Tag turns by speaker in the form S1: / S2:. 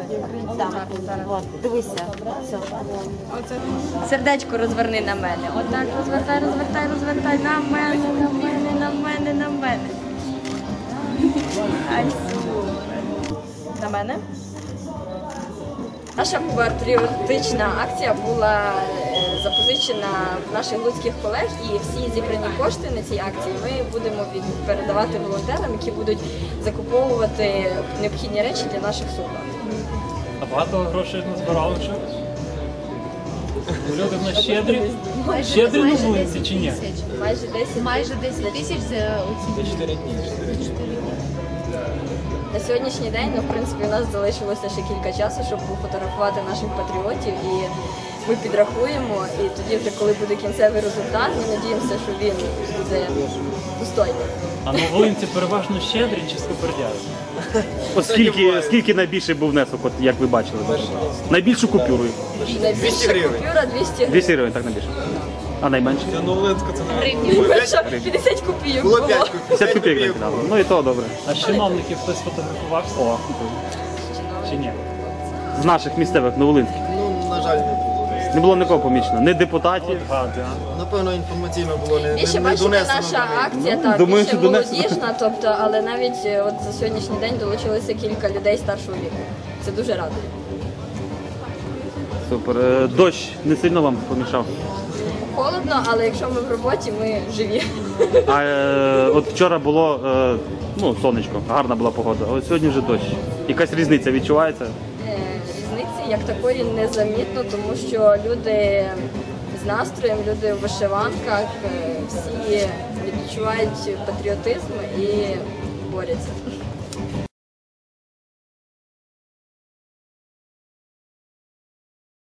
S1: Дивися.
S2: Сердечко розверни на мене. Отак розвертай, розвертай, розвертай. На мене, на мене, на мене, на мене. Ай, супер. На мене. Наша патріотична акція була запозичена в наших луцьких колег, і всі зібрані кошти на цій акції ми будемо передавати волонтерам, які будуть закуповувати необхідні речі для наших солдат.
S3: А багато грошей назбирали вже? Люди в нас щедрі? Щедрі на вулиці чи ні?
S2: Майже 10 тисяч за оці
S3: 4 дні.
S2: На сьогоднішній день, в принципі, у нас залишилося ще кілька часу, щоб пофотографувати наших патріотів, і ми підрахуємо, і тоді вже, коли буде кінцевий результат, ми надіємося, що він буде достойний.
S3: А на Волинці переважно щедрі чи скупердяри?
S4: Скільки найбільший був внесок, от, як ви бачили? Найбільшу купюру?
S2: Найбільша купюра 200 гривень.
S4: 200 гривень, так найбільше. А найменше?
S2: Найбільша 50 копійок було.
S4: 50 копійок накидали. Ну і то добре.
S3: А з чиновників хтось фотографувався?
S4: О,
S3: Чи ні?
S4: з наших місцевих, новолинських.
S5: Ну, на жаль, не було.
S4: Не було нікого помічено, ні депутатів.
S3: От гади, а?
S5: Напевно, інформаційно було не
S2: Більше, бачите,
S5: донесено.
S2: наша акція, так,
S4: думаю,
S2: більше
S4: що донесено.
S2: молодіжна, тобто, але навіть от за сьогоднішній день долучилося кілька людей старшого віку. Це дуже радує.
S4: Супер. Дощ не сильно вам помішав?
S2: Холодно, але якщо ми в роботі, ми живі.
S4: А от вчора було сонечко, гарна була погода, а от сьогодні вже дощ. Якась різниця відчувається?
S2: Різниці як такої незамітно, тому що люди з настроєм, люди в вишиванках, всі відчувають патріотизм і борються.